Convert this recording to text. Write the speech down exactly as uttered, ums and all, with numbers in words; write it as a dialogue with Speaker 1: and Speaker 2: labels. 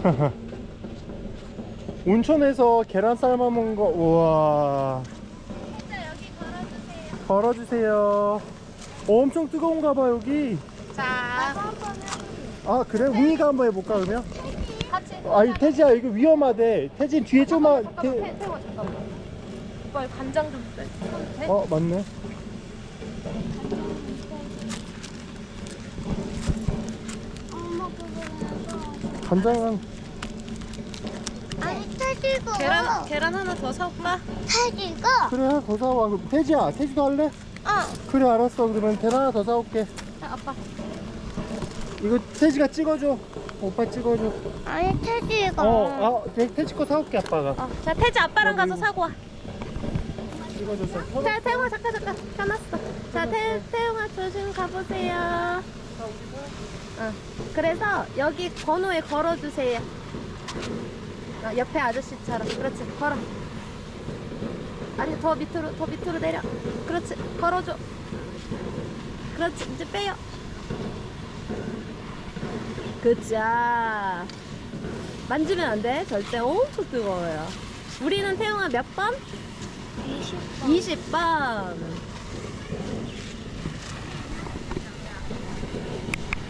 Speaker 1: 온천에서 계란 삶아 먹은 거. 우와.
Speaker 2: 진짜 여기 걸어주세요.
Speaker 1: 걸어주세요. 어, 엄청 뜨거운가 봐 여기.
Speaker 2: 자,
Speaker 1: 아 그래? 웅이가 한번 해볼까 그러면?
Speaker 2: 같이.
Speaker 1: 아니 태지야 이거 위험하대. 태진 뒤에 좀만.
Speaker 2: 잠깐만,
Speaker 1: 태...
Speaker 2: 태- 태워 잠깐만. 오빠 간장 좀 빼. 돼?
Speaker 1: 어 맞네.
Speaker 3: 엄마 그거
Speaker 1: 간장은
Speaker 3: 아니 태지가
Speaker 2: 계란 계란 하나 더 사올까?
Speaker 3: 태지가
Speaker 1: 그래 하나 더 사와. 그럼 태지야 태지도 할래?
Speaker 2: 어.
Speaker 1: 그래 알았어. 그러면 계란 하나 더 사올게.
Speaker 2: 자, 아빠.
Speaker 1: 이거 태지가 찍어줘. 오빠 찍어줘.
Speaker 3: 아니 태지가
Speaker 1: 어, 아, 태- 태지 거 사올게 아빠가.
Speaker 2: 어. 자, 태지 아빠랑 가서
Speaker 1: 여기.
Speaker 2: 사고 와.
Speaker 1: 찍어줬어.
Speaker 2: 자, 태용아 잠깐 잠깐 켜놨어. 자, 태 태용아 조심 가보세요. 어. 그래서 여기 번호에 걸어주세요. 어, 옆에 아저씨처럼. 그렇지. 걸어. 아니 더 밑으로 더 밑으로 내려. 그렇지. 걸어줘. 그렇지. 이제 빼요. 그자. 만지면 안 돼. 절대 엄청 뜨거워요. 우리는 태용아 몇 번?
Speaker 3: 이십 번
Speaker 2: 이십 번.